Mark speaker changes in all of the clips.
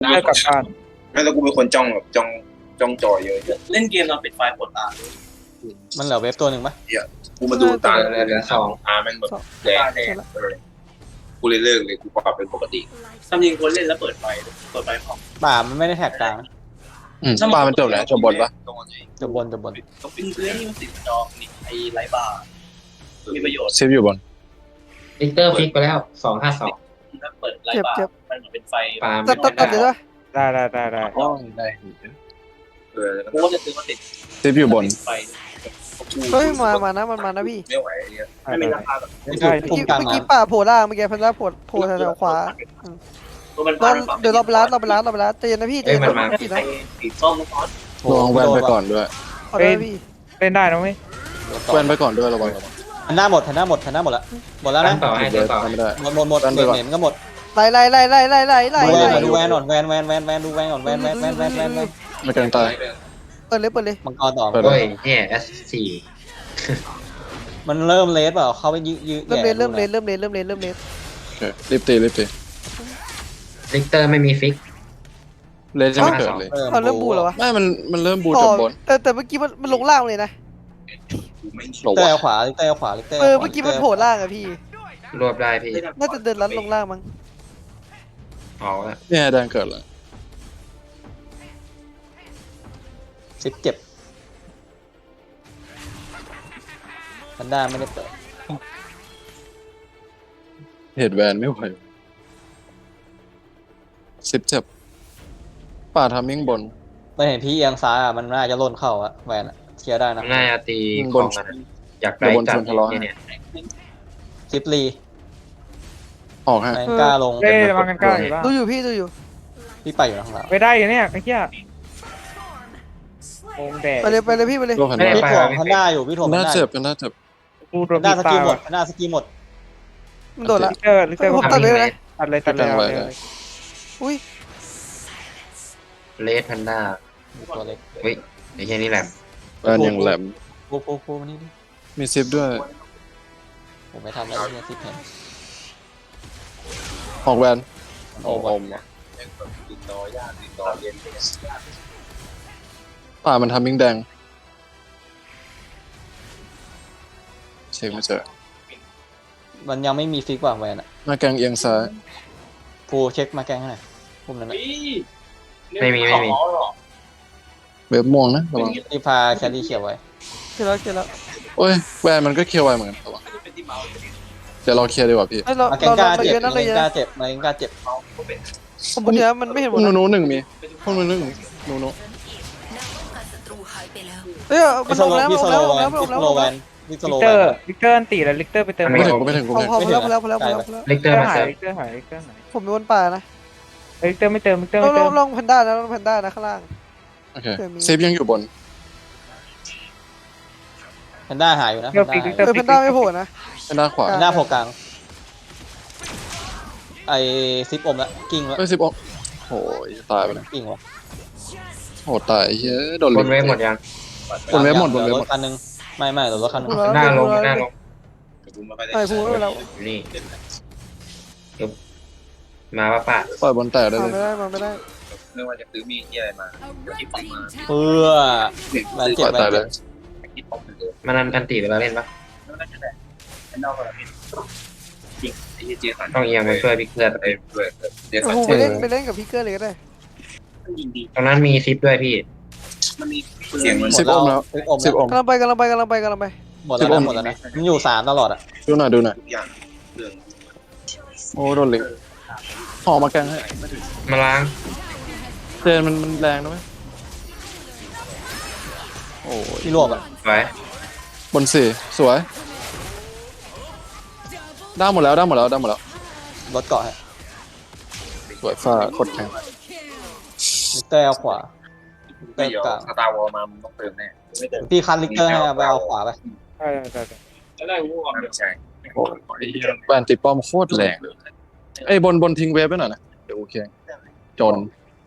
Speaker 1: ได้กลับบ้าน
Speaker 2: ไม่แล้วกูเป็นคนจ้องแบบจ้องจอเยอะ
Speaker 3: เล่นเกมเราปิดไฟล์ปวดตา
Speaker 4: มันเหลือเว็บตัวหนึ่งปะ
Speaker 2: กูมาดูตา
Speaker 5: เหลือสอง
Speaker 2: ตาแม่งแบบแดงกูเลยเลิกเลยกูปรับเป็นปกติ
Speaker 3: ทำยิงคนเล่นแล้วเปิดไฟพร้อม
Speaker 4: ป่ามันไม่ได้แท็กกลาง
Speaker 2: ปลามันจบแล้วจบบนปะ
Speaker 4: จะบน
Speaker 3: ต้องปิ้งเพื่อนที่มันติดจอนี่ไอ้ไร้บาร์มีประโยชน์
Speaker 2: เซฟอยู่บน
Speaker 5: ลิกเตอร์ฟิกไปแล้ว252
Speaker 3: ถ้าเปิดไร้บาร์มันเหมือนเป็นไฟ
Speaker 5: ปาล์ม
Speaker 6: ตัดเดี๋ยวด้วย
Speaker 1: ได้
Speaker 2: ได้
Speaker 3: กูก็จะซื้อมาติด
Speaker 2: เซฟอยู่บน
Speaker 3: ไฟ
Speaker 6: เฮ้ยมานะมันมานะพี่
Speaker 2: ไม่ไหวเนี่ย
Speaker 3: ไม่มีราคาแบบ
Speaker 1: ไม่ได้
Speaker 4: พุ่มกลาง
Speaker 6: เมื่อกี้ป่าโผล่ล่างเมื่อกี้พันล่าโผล่แถวขวา
Speaker 3: ตัวมัน
Speaker 6: เดี๋ยวเราไปร้านเตียนนะพี่เตียนนะพี่นะ
Speaker 3: สีส้มก้อน
Speaker 2: ลองแวนไปก่อนด้วย
Speaker 6: ขอได้พี่
Speaker 1: เล่นได้นะเว้ย
Speaker 2: แวนไปก่อนด้วยระวัง
Speaker 4: ทันหน้าหมดแล้วหมดแล้ว
Speaker 5: ตั้
Speaker 4: นะ
Speaker 5: งต่อให้ตัวต่อ
Speaker 2: ไม่ได้
Speaker 4: หมดเห็นก็หมด
Speaker 6: ไล่
Speaker 4: ดูแวนก่อนแวนดูแวนก่อนแวน
Speaker 2: ไม่กลางตาย
Speaker 6: เปิดเลย
Speaker 4: มังกรต่อ
Speaker 5: โอ้ยเนี่ย S4
Speaker 4: มันเริ่มเลสเปล่าเข้าไปยื้อ
Speaker 6: เริ่มเลน
Speaker 2: โอเครีบตี
Speaker 5: ลิกเตอร์ไม่มีฟิก
Speaker 2: เลนจะไม่เกิดเลย
Speaker 6: เริ่มบูเหรอวะ
Speaker 2: ไม่มันเริ่มบูจบบน
Speaker 6: แต่เมื่อกี้มันลงล่างเลยนะ
Speaker 2: หลบ
Speaker 4: เตะ
Speaker 2: วะ
Speaker 4: ขวาเตะขวา
Speaker 6: เมื่อกี้มันโผล่ล่างอะพี่
Speaker 5: รวบได้พี่
Speaker 6: น่าจะเดินลัดลงล่างมั้ง
Speaker 5: เอาละ
Speaker 2: เนี่ยแดงเกิดแล้ว
Speaker 4: ซิปเจ็บทันด้าไม่ได้เปิด
Speaker 2: เหตุแวนไม่ไหวซิปเจ็บป่าทำมิ่งบน
Speaker 4: ไม่เห็นพี่เอียงซ้ายอ่ะมันน่าจะล่นเข้าอะแวนอะเคลียร์ได้นะ
Speaker 5: น่าจะตีของมันอยากได้จัดเนี่ย
Speaker 4: ซิปลี
Speaker 2: ออกให้
Speaker 4: แมงก้าลง
Speaker 1: เล่ระวังกันกล้าอยู่บ้าง
Speaker 6: ดูอยู่พี่ดูอยู่
Speaker 4: พี่ไปอยู่ข้างหลัง
Speaker 1: ไปได้อยู่เนี่ยไอ้เหี้ยโอ้แดด
Speaker 6: ไปเลยพี่ไปเลย
Speaker 2: โลกหัน
Speaker 4: พี่ถ่วงพันด้าอยู่พี่ถ่วงพัน
Speaker 2: น่า
Speaker 4: ด้า
Speaker 2: เจ็บกันน่าเจ็บ
Speaker 1: กูโด
Speaker 4: พั
Speaker 1: น
Speaker 4: นด้า
Speaker 1: ตี
Speaker 4: ส
Speaker 1: ตา
Speaker 4: กีหมด
Speaker 1: ว่ะ
Speaker 4: พันด้าสกีหมด
Speaker 6: มันโดดละ
Speaker 1: ลิกเตอร์
Speaker 6: ผมตัดเลยนะ
Speaker 1: ตัดเลยเอาเลย
Speaker 6: อุ้ย
Speaker 5: เลสแพนด้า
Speaker 4: ตัวเล็ก
Speaker 5: เฮ้ยไอ้แค่นี้แหละ
Speaker 2: แวนยังแหลม
Speaker 4: ปูมานี่ดิ
Speaker 2: มีซิปด้วย
Speaker 4: ผมไม่ทำอะไรเนี่ยซิปเห็น
Speaker 2: ออกแวน
Speaker 4: โอ้
Speaker 2: อ
Speaker 4: โห
Speaker 2: มป่ามันทำมิ่งแดงเช็คไม่เจอ
Speaker 4: มันยังไม่มีฟิกว่างแวนอะ
Speaker 2: หน้าแกงเอียงซ้าย
Speaker 4: ภูเช็คมาแกงให้หน่อยพุ่มนั้นนะ
Speaker 2: เว็บม่วงนะระวัง
Speaker 4: ที่พาแคลรี่เขียวไว้
Speaker 6: เขียนแล้ว
Speaker 2: โอ้ยแวนมันก็เคลียร์ไวเหมือนกันระวังเดี๋ยวเราเคลียร์ดีกว่าพี่
Speaker 6: เรา
Speaker 4: มาแกงกล้าเจ็บ
Speaker 6: เยอะนั่น
Speaker 4: มา
Speaker 6: เลย
Speaker 4: แกงกล้า
Speaker 6: นะ
Speaker 4: เจ็บมาแกงกล้าเจ็บ
Speaker 6: ผมบอกเนี้ยมันไม่เห็นหมด
Speaker 2: หนูหนึ่งมีพวกหนูหนึ่งหนู
Speaker 6: เฮ้ยมันลงแล้ว
Speaker 4: พี่สโลแวน
Speaker 6: มันล
Speaker 4: พี่
Speaker 6: ง
Speaker 4: ส
Speaker 6: แล้ว
Speaker 4: โลแวนพี่ส
Speaker 1: ลิ
Speaker 4: โล
Speaker 1: ก
Speaker 4: แว
Speaker 1: เตอน ร์อันตีแล้วลิกเตอร์ไปเติม
Speaker 2: ไม่ถึงกูไม่ถึงกู
Speaker 6: พ
Speaker 2: ไม่ถึง
Speaker 6: อแล้ว
Speaker 5: ลิกเตอร์มา
Speaker 1: หา
Speaker 5: เติ
Speaker 1: ย
Speaker 5: ม
Speaker 1: ลิกเตอร์หาย
Speaker 6: ผมเป็นบนป่านะ
Speaker 1: ลิกเตอร์ไม่เติมลิกเตอร์ไม่เติม
Speaker 6: ลองแพนด้านะข้างล่าง
Speaker 2: โอเคเซฟยังอยู่บน
Speaker 4: แพนด้าหายอยู่นะ
Speaker 1: เดี๋ยวฟิกลิกเตอร์
Speaker 6: แพนด้าไม่โผล่นะ
Speaker 2: เป็นด้านขวา
Speaker 4: แพนด้าโผล่กลางไอซิปอมละกิ้งละ
Speaker 2: เอ้ยซิปออกโอ้ยตายไปแล้ว
Speaker 4: กิ้งวะ
Speaker 2: โหตายเฮ้ยโดน
Speaker 5: บนเวฟหมดยัง
Speaker 2: บนเว็บหมด
Speaker 4: เหลือรถคันนึงไม่เหลือรถคันนึง
Speaker 5: หน้าลง
Speaker 6: ไอ้พูดไม่แล้ว
Speaker 5: นี่มาป่ะป่ะ
Speaker 2: ปล่อยบนแตกได้
Speaker 6: มา
Speaker 2: เลย
Speaker 6: ไม่ได้
Speaker 3: ไม่ว่าจะซื้อมีที่อะไรมาที่ปั๊มมา
Speaker 4: เพื่อแวนเจ็บ
Speaker 2: ปล่อย
Speaker 4: แว
Speaker 2: ตาย
Speaker 4: น
Speaker 2: เล
Speaker 4: เจ็
Speaker 2: ย
Speaker 4: บ
Speaker 3: ที่ปั๊มเหมือนเดิม
Speaker 5: มันอันตีเวลาเล่นปะ
Speaker 3: แล้วนั่นแหละไอ้นอกก็เป็นจริงไอ้เจสัน
Speaker 5: ต้องเอียงไปช่วยพิกเตอร์
Speaker 3: ไอ้ด้วยเจสัน
Speaker 6: โอ้โหไปเล่นกับพี่เกอร์เลยก็ได้
Speaker 3: ยิงดี
Speaker 5: ตรงนั้นมีซิปด้วยพี่
Speaker 3: มันมีเสียงมัน
Speaker 2: ซิปอมแล้ว
Speaker 4: ซิปอม
Speaker 2: ซิปอม
Speaker 6: กำลังไป
Speaker 4: หมดแล้วนะมันอยู่3ตลอดอ่ะ
Speaker 2: ดูหน่อย
Speaker 3: ทุกอย่างเรื่อง
Speaker 2: โอ้โดนลิงหอมาแกงให้
Speaker 5: มาล้าง
Speaker 2: เจนมันแรงนะเว้ยโอ้ย
Speaker 4: ที่รวบอ่ะ
Speaker 5: ไว้
Speaker 2: บนสี่สวยได้หมดแล้ว
Speaker 4: รถเกาะให้
Speaker 2: สวยฟ้าโคตรแข็ง
Speaker 4: ลิกเตอร์เอาขวา
Speaker 3: เดี๋ยวสตาร์วอลมาต้องเติมแน่ไม่เติม
Speaker 4: พี่คันลิกเตอร์ให้ไปเอาขวาไป
Speaker 1: ได้
Speaker 3: จะได้รู้ว่าไม่ใช่
Speaker 2: โอ้ยแวนติดป้อมโคตรแรงเลยไอ้ยบนทิ้งเวฟไปหน่อยนะเดี๋ยวโอเคจน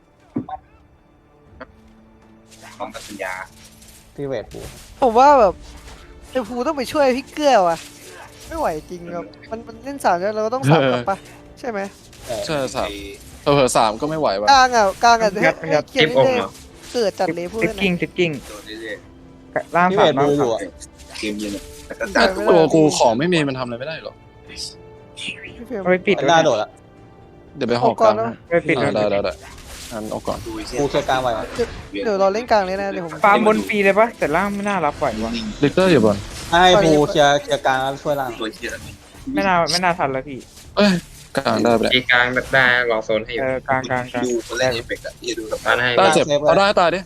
Speaker 3: พร้อมกับสัญญา
Speaker 4: พี่เวทปู
Speaker 6: ผมว่าแบบไอ้ภูต้องไปช่วยพี่เกอร์ว่ะไม่ไหวจริงครับมันเล่น3แล้วเราก็ต้อง3กลับปะใช่ไหม
Speaker 2: ใช่สามเผลอๆ3ก็ไม่ไหวว่ะ
Speaker 6: กลางให้เคลีย
Speaker 5: คลิ
Speaker 6: ร์
Speaker 5: ปอม
Speaker 6: เรื่อย
Speaker 5: เหรอ
Speaker 6: ๆเกิดจัดเลยพูด
Speaker 1: ซิป
Speaker 6: นะ
Speaker 1: กิ้งซิปกิ้ง
Speaker 3: โดนเรื่อย
Speaker 1: ล่าง
Speaker 4: พี่
Speaker 1: สา
Speaker 4: เว
Speaker 1: ม
Speaker 4: ท
Speaker 1: ล่า
Speaker 4: ดู
Speaker 1: ง
Speaker 4: อยู่
Speaker 1: สาม
Speaker 4: อะ
Speaker 3: ๆเกมเย็นแต่ก็
Speaker 2: ตัวกูของไม่มีมันทำอะไรไม่ได้หรอก
Speaker 6: พี่เฟรม
Speaker 1: เอาไปปิด
Speaker 4: เป็น
Speaker 1: ไว้
Speaker 4: หน้า
Speaker 1: นะ
Speaker 4: โดดละ
Speaker 2: เดี๋ยวไปหอก
Speaker 6: เอาก่
Speaker 2: ก
Speaker 6: อ
Speaker 2: ลาน ง
Speaker 6: นะ
Speaker 2: ให้
Speaker 1: ไปปิด
Speaker 2: ได้อันเอาก่อน
Speaker 3: ดูเสีย
Speaker 4: กูเคลียร์กลางไว้ก่อน
Speaker 6: เดี๋ยวเราเล่นกลางเลยนะเดี๋ยวผม
Speaker 1: ฟาร์มบนฟรีเลยปะแต่ล่างไม่น่ารับไหววะ
Speaker 2: ลิกเตอร์อยู่บน
Speaker 4: ให้ภูเคลียร์กลางแล้วช่วยล่าง
Speaker 3: ตัวเชียร์
Speaker 1: ไม่น่าทันแล้วพี่
Speaker 2: เอ้ยกลางได้ไปแล้ว
Speaker 5: ตีกลางได้รอโซนให้อยู่
Speaker 1: กลาง
Speaker 3: ดูคนแรกเอฟเฟกต์อ่ะที่ดูกับ
Speaker 5: บ้านให้
Speaker 2: ได้เจ็บเอาได้ตายดิ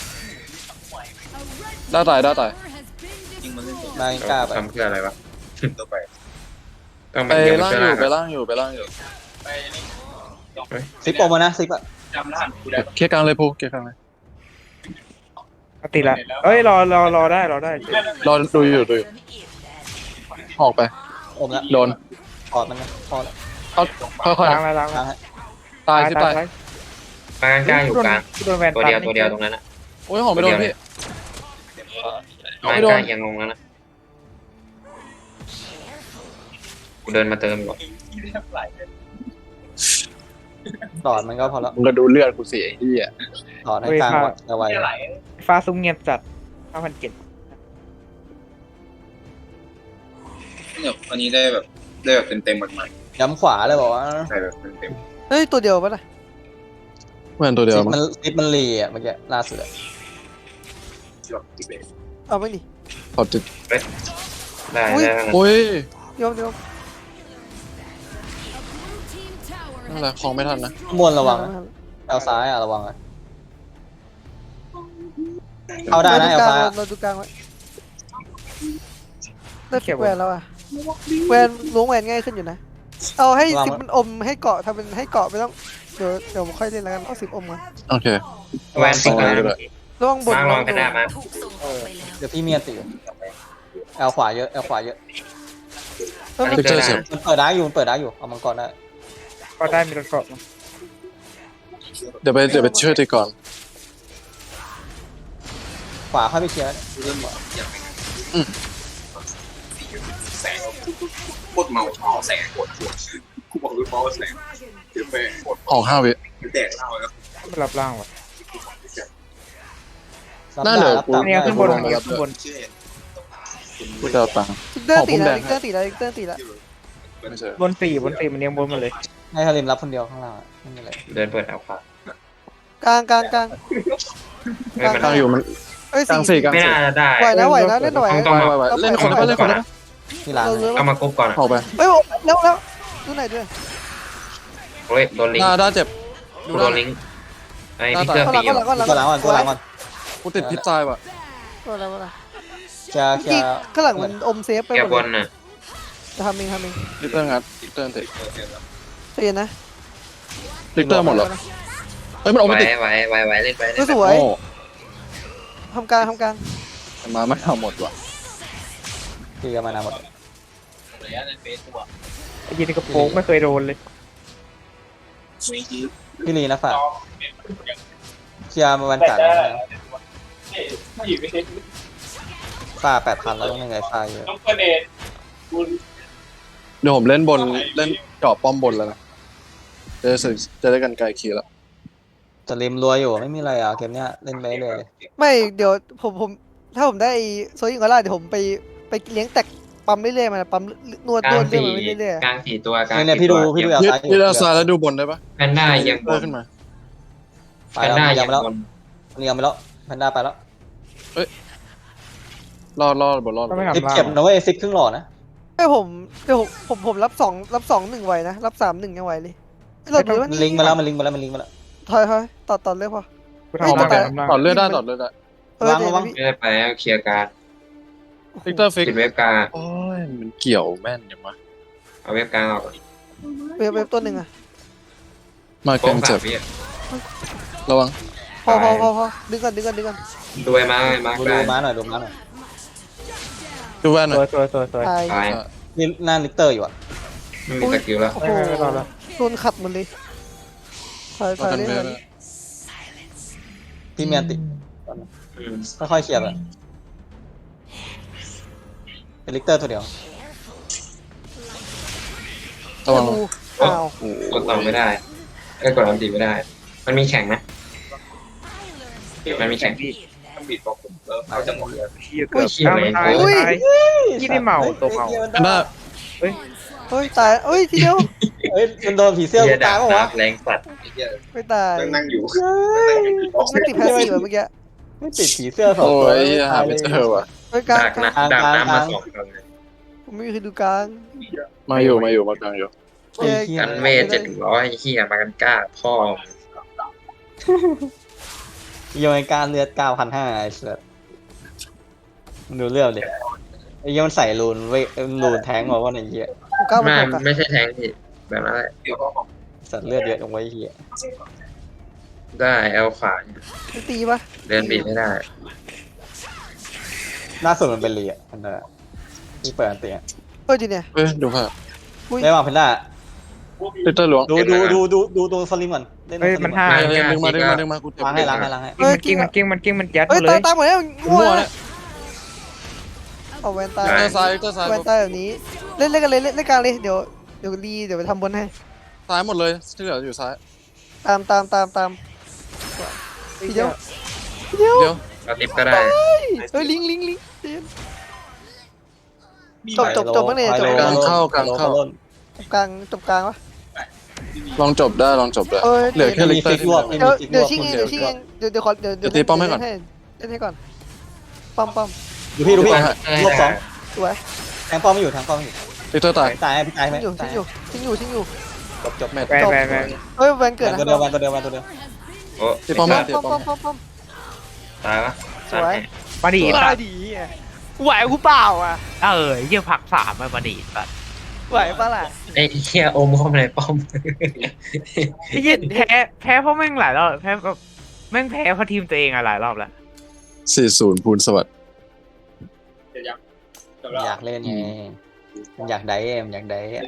Speaker 2: ได้ตาย
Speaker 3: ยิงมันเล่นตัว
Speaker 4: นายกล้าไป
Speaker 5: ทำเพื่ออะไรวะ
Speaker 3: ตัวไป
Speaker 5: ต้อง
Speaker 2: ไป
Speaker 5: มันเดียว
Speaker 2: ล่าง
Speaker 5: เพื่อ
Speaker 2: อยู่
Speaker 5: ล่าง
Speaker 2: ไปล่างอยู่ไปล่างอยู่
Speaker 4: ซิปโอมานะซิปอะ
Speaker 3: จำรหัสกูได้
Speaker 2: เคลียร์กลางเลยพูเคลียร์กลางเลย
Speaker 1: ติดละเอ้ยรอได้
Speaker 2: รอดูอยู่หอกไป
Speaker 4: อมละ
Speaker 2: โดน
Speaker 4: ถอดมันนะพอละ
Speaker 2: เอาค่อย
Speaker 1: ล้างแล้ว
Speaker 4: กลางให้
Speaker 2: ๆตายที่ตาย
Speaker 5: กลางกลางอยู่กลาง
Speaker 1: โดนแวน
Speaker 5: ตัวเดียวตรงนั้นนะ
Speaker 2: โอ้ยหอกไม่โดนพี่
Speaker 5: กลางกลางยังงงแล้วนะกูเดินมาเติมก่อน
Speaker 4: ถอดมันก็พอละ
Speaker 2: มึงก็ดูเลือดกูสิไอ้เหี้ย
Speaker 4: ถอดให้กลางก่อนเอาไว้
Speaker 1: ฟ้าซุ้มเงียบจัด5,700
Speaker 3: เนี่ยวันนี้ได้แบบเต็มๆมัน
Speaker 4: ย้ำขวาเลยบอกว่า
Speaker 3: ๆใส่แบบเต็ม
Speaker 6: เฮ้ยตัวเดียวปะล่ะ
Speaker 2: เหมือนตัวเดียวมั้ง
Speaker 4: ซิปมันรีอะเมื่อกี้ล่าสุดอะ
Speaker 3: ๆที่แบบติดเลย
Speaker 6: เอาไม่ดิ
Speaker 2: พอติด
Speaker 5: ได้
Speaker 2: โอ้ย
Speaker 6: โยม
Speaker 2: นั่นแหละของไม่ทันนะ
Speaker 4: ข้างบนระวังนะเอาซ้ายอะระวังอะเอาได้นะเอาซ้ายอะ
Speaker 6: เราดูกลางไว้ได้แหวนแล้วอ่ะแหวนล้วงแหวนง่ายขึ้นอยู่นะเอาให้สิบมันอมให้เกาะทำเป็นให้เกาะไม่ต้องเดี๋ยวผมค่อยเล่นแล้วกันเอา10 อมมา
Speaker 2: โอเค
Speaker 5: แวนติดกลาง
Speaker 6: ระวังบน
Speaker 5: มาลองกันได้มา
Speaker 4: เดี๋ยวพี่เมียติเอาขวาเยอะเอาขวาเยอะ
Speaker 6: เออ
Speaker 2: ลิกเตอร์เสร็จ
Speaker 4: มันเปิดได้อยู่เอามังกรได้
Speaker 1: ก็ได้มีรถเกาะ
Speaker 2: เดี๋ยวไปช่วยตีก่อน
Speaker 4: ขวาเข้าไปเคลียร์
Speaker 3: เริ่มอย่างแสงโคตรเมาแสงปวดกูบอกเลยเมาแสงเดี๋ยวไปปวด
Speaker 2: หอก5 วิ
Speaker 3: แดกเหล้าแล้ว
Speaker 1: ไม่รับล่างว่ะ
Speaker 2: น่าเหลือ
Speaker 4: รับ
Speaker 2: กู
Speaker 4: ตาม
Speaker 1: เนี่ยขึ้นบน
Speaker 2: ได้
Speaker 1: ขึ้นบน
Speaker 3: เชื่อ
Speaker 2: กูจะเอาตังค์
Speaker 6: ลิกเตอร์ตี
Speaker 2: ผมแด
Speaker 6: แล้ว
Speaker 2: ง
Speaker 6: ลิกเตอร์ตีแล้ว
Speaker 2: ไม่ใช่
Speaker 1: บน4มันเรียงบนมาเลย
Speaker 4: ให้ฮาริมรับคนเดียวข้างล่างอะไม่มีอะไร
Speaker 5: เดินเปิดเอาขวาก
Speaker 6: ลาง
Speaker 5: ไม่มัน
Speaker 2: กลางอยู่มัน
Speaker 6: เอ้ย
Speaker 2: กลางสี่กลาง
Speaker 5: ไม่
Speaker 2: สี่
Speaker 5: น่าจะได้
Speaker 6: ไหวนะเล่นไหว
Speaker 5: ต้อง
Speaker 2: ไวเล่นคนได้เล่นคนได้
Speaker 4: ที่ร้าน
Speaker 5: เอามากรุ๊ปก่อน
Speaker 2: หอกไป
Speaker 6: เฮ้ยแล้วดูไหนด้วย
Speaker 5: โอ้ยโดนลิง
Speaker 2: ได้เจ็บ
Speaker 5: กูโดนลิงไอ้พิกเกอร์
Speaker 6: ก็
Speaker 5: ปี
Speaker 6: หลัง
Speaker 5: อยู่
Speaker 6: ก็หลัง
Speaker 4: ตัวหลังก่อน
Speaker 2: กูติดพิษตายว่ะ
Speaker 6: ก็หลัง
Speaker 4: เคลียร์
Speaker 6: จริงข้างหลังมันอมเซฟไป
Speaker 5: แก
Speaker 6: หม
Speaker 5: บ
Speaker 6: ด
Speaker 5: น
Speaker 6: เลย
Speaker 5: น่ะ
Speaker 6: จะทำเอง
Speaker 2: ลิกเตอร์งัดลิกเตอร์ติด
Speaker 6: เตียนนะ
Speaker 2: ลิกเตอร์หมดเหรอเฮ้ยมันออก
Speaker 5: ไหว
Speaker 2: ไม่ติด
Speaker 5: ไหวเล่นไป
Speaker 6: ก็สวย
Speaker 2: โอ้
Speaker 6: ทำกลาง
Speaker 2: มันมาไม่ทำหมดว่ะ
Speaker 4: เคลียร์มานานหมด
Speaker 3: ระยะในเฟซตัว
Speaker 1: ไอ้ยีนี่กระโปงไม่เคยโดนเลย
Speaker 3: ไม่ยืด
Speaker 4: พี่ลีนะฝากเคลียร์มาวันจันทร์นะฝ้า8,000แล้วต้องยังไงฝ้าเยอะ
Speaker 2: เดี๋ยวผมเล่นบนเล่นเจาะป้อมบนแล้วนะจะได้กันไกลคีแล้ว
Speaker 4: จะริมรัวอยู่ไม่มีอะไรอ่ะเกมเนี้ยเล่นไปเลย
Speaker 6: ไม่เดี๋ยวผมถ้าผมได้โซยิงก็ได้เดี๋ยวผมไปเลี้ยงแตกปั๊มเรื่อยๆมันปั๊มนวด
Speaker 5: กลาง
Speaker 6: เรื่อย
Speaker 5: สี่
Speaker 6: ๆเรื่อย
Speaker 5: กลาง4ตัวกลาง
Speaker 4: เนี่ยพี่ดูเอาซ้าย
Speaker 2: พี่ดาวซ้ายแล้วดูบนได้ปะ
Speaker 5: แพนด้ายังบ
Speaker 2: เลื่อน ขึ้นมา
Speaker 4: ไป
Speaker 5: แพน
Speaker 4: แล้ว
Speaker 5: ด้า
Speaker 4: ยั
Speaker 5: ยัง ง
Speaker 4: ไปแล้ว
Speaker 5: บน
Speaker 4: นี่ยังไปแล้วแพนด้าไปแล้ว
Speaker 2: รอดบนรอด
Speaker 1: ก็ไม่
Speaker 4: ซิป
Speaker 1: ทำล่าง
Speaker 4: เจ็บนะเว้ยซิปครึ่งหลอดนะ
Speaker 6: ๆให้ผมรับ2 1ไหวนะรับ3 1ยังไหวเลยเราดูว่า
Speaker 4: มันลิงก์มาแล้วมันลิงก์มาแล้ว
Speaker 6: ถอยต่อเลยพอ
Speaker 1: กูทำล่าง
Speaker 2: ต่อเลือดได้
Speaker 4: วาง
Speaker 6: เดี๋ยว
Speaker 4: วาง
Speaker 6: พี่
Speaker 5: ไม่ได้ไปเคลียร์การ
Speaker 2: ลิกเตอร์ฟิก
Speaker 5: ปิดเว็บกลาง
Speaker 2: โอ้ยมันเกี่ยวแม่นอย่างวะ
Speaker 5: เอาเว็บกลางออก
Speaker 6: เว็บตัวหนึ่งอะ
Speaker 2: มาเก
Speaker 5: โป๊ะ
Speaker 2: ม
Speaker 5: สา
Speaker 2: เจ็
Speaker 5: ม
Speaker 2: บ
Speaker 5: วิ
Speaker 2: ระวัง
Speaker 6: พอดึงก่อน
Speaker 5: ด้วยมามา
Speaker 4: ดู
Speaker 5: ได้
Speaker 4: ม้าหน่อยดูม้าหน่อย
Speaker 2: ดูแว่นหน่
Speaker 1: ส
Speaker 2: อ
Speaker 1: วย ยสวย
Speaker 6: ตาย
Speaker 5: ตาย
Speaker 4: นี่หน้าลิกเตอร์อยู่อ่ะ
Speaker 5: ไม่มีสกิลแล้ว
Speaker 6: โอ้โหโดนขัดหมดเลยถอย
Speaker 2: มากัน
Speaker 6: เล่น
Speaker 2: เว
Speaker 6: ก่อน
Speaker 2: น
Speaker 4: พี่เมียนติค่อยๆเคลียร์ไปเป็นลิกเตอร์ตัวเดียว
Speaker 2: ระวัง
Speaker 6: อ้าว
Speaker 2: โอ้
Speaker 5: กดต่อไม่ได้ก็กดอันตีไม่ได้ มันมีแข่งนะมันมีแข่ง
Speaker 1: พี่
Speaker 3: ต้องบีบบอกผมเขาจะหมดเลย
Speaker 1: เหี้ยเกือบ
Speaker 5: เหี้ย
Speaker 1: อ้าว
Speaker 5: เลย
Speaker 1: ตาย
Speaker 6: อุ้ย
Speaker 1: ตายที่ได้เมาตัวเมา
Speaker 2: อันน่า
Speaker 6: เฮ้ยตายเฮ้ยทีเดียว
Speaker 4: เอ้ยมันโดนผีเสื้อ
Speaker 5: เหี้
Speaker 4: กู
Speaker 5: ยดา
Speaker 4: ตาย
Speaker 5: บ
Speaker 4: ปะวะ
Speaker 5: แรงสัตว์
Speaker 3: ไอ้เหี้ย
Speaker 6: ไม่ตาย
Speaker 3: นั่งอยู่
Speaker 6: ไม่ติดแพสซีฟเหรอเมื่อกี้
Speaker 4: ไม่ติดผีเสื้อสอง
Speaker 2: โอ้
Speaker 4: ตัวย
Speaker 2: หาไม่เจอว่ะ
Speaker 6: เฮ้ยกลาง
Speaker 5: ดาบ
Speaker 6: กลาง
Speaker 5: นะดาบน้ำมา2กันเลย
Speaker 6: ผมไม่มีใครดูกลาง
Speaker 2: มากลางอยู่
Speaker 4: ไอ้เหี้ย
Speaker 5: กันเวท700เหี้ยมากันกล้าพ่อ
Speaker 4: โยนการเลือด9,500ไอ้สัสมึงดูเรื่องดิไอ้เหี้ยมันใส่รูนเว้ยรูนแทงบอกว่าไอ้เหี้ย
Speaker 6: ผมกล้ามา
Speaker 5: ไม่
Speaker 6: ตกอะ
Speaker 5: ไม่ใช่แทงที่แบบนั้นแหละ
Speaker 3: เดี๋ยวก็บอก
Speaker 4: สัตว์เลือดเยอะลงไว้ไอ้เหี้ย
Speaker 5: ได้เอลขวา
Speaker 6: ไม่ตีปะ
Speaker 5: เดินบีบไม่ได้
Speaker 4: ล่าสุดมันเป็นเรียอันนั้นอะที่เปิดอันเตีย
Speaker 6: เฮ้ยจีเนี่ย
Speaker 2: เฮ้ยดูภาพ
Speaker 4: ได้วางเพนด้า
Speaker 2: ลิตเติ้ลหลวง
Speaker 4: ดูตัวสลิมก่อนเล่น
Speaker 1: เฮ้ย
Speaker 4: สลิ
Speaker 1: มัน
Speaker 4: ก่อ
Speaker 1: ห้า
Speaker 2: ดึงมากูเจ็บ
Speaker 4: ล้างให้ล้างให้ล้างให้
Speaker 1: มันกิ้งมันยัด
Speaker 6: เฮ้ย
Speaker 1: มาเล
Speaker 6: ตาย
Speaker 1: ย
Speaker 6: ตายหมดแล้ว
Speaker 2: มั่
Speaker 6: มั่ว
Speaker 2: ว
Speaker 6: แล้
Speaker 2: เนี่
Speaker 6: วย เอาแวนตาย
Speaker 2: ลิตเติ้ลซ้ายลิตเติ้ลซ้าย
Speaker 6: แวนตายแบบนี้เล่นกันเลยเล่นกลางเลยเดี๋ยวรีเดี๋ยวไปทำบนให้
Speaker 2: ซ้ายหมดเลยที่เหลืออยู่ซ้าย
Speaker 6: ตามทีเดียว
Speaker 2: เดี๋ยว
Speaker 5: เราติปก็ได้
Speaker 6: เฮ้ยลิงจบบ้างเนี่ยจบ
Speaker 2: กลางเข้ากลางเข้า
Speaker 6: กลางจบกลางวะ
Speaker 2: ลองจบได้ลองจบได้
Speaker 6: เอ้ย
Speaker 2: เหลือแค่ลิตเติ้ลที่เหลือ
Speaker 6: เดี๋ยวชิงเองเดี๋ยวขอเดี๋ยว
Speaker 2: ตีป้อมให้ก่อน
Speaker 6: เล่นให้ก่อนป้อม
Speaker 4: ดูพี่ลบสอง
Speaker 6: สวย
Speaker 4: แทงป้อมไม่อยู่แทงป้อมไม่อยู่
Speaker 2: ลิตเติ้ลตาย
Speaker 4: ตายพี่ตายไหม
Speaker 6: ชิงอยู่
Speaker 4: จบ
Speaker 2: แมต
Speaker 1: ไป
Speaker 6: เฮ้ยแวนเกิดนะ
Speaker 4: ตัวเดียวตัวเดียว
Speaker 5: โอ้
Speaker 2: ตีป้อม
Speaker 6: ป้
Speaker 2: มา
Speaker 6: อม
Speaker 2: ตีป้อม
Speaker 5: ตายวะ
Speaker 6: สวย
Speaker 1: มาดี
Speaker 6: ตายดีไหวกูเปล่าอ่ะ
Speaker 1: เยี่ยผักสามมาดีสัตว์
Speaker 6: ไหวปะล่ะ
Speaker 5: ไอ้เหี้ยอมเข้ามาในป้อม
Speaker 1: ไอ้เหี้ยแพ้เพราะแม่งหลายรอบแพ้แบบแม่งแพ้เพราะทีมตัวเองอะหลายรอบแล้ว
Speaker 2: 40ภูลสวัสดิ์
Speaker 3: เดี๋ยวยังจบแล้ว
Speaker 4: อยากเล่นไงอยากได้อยากได้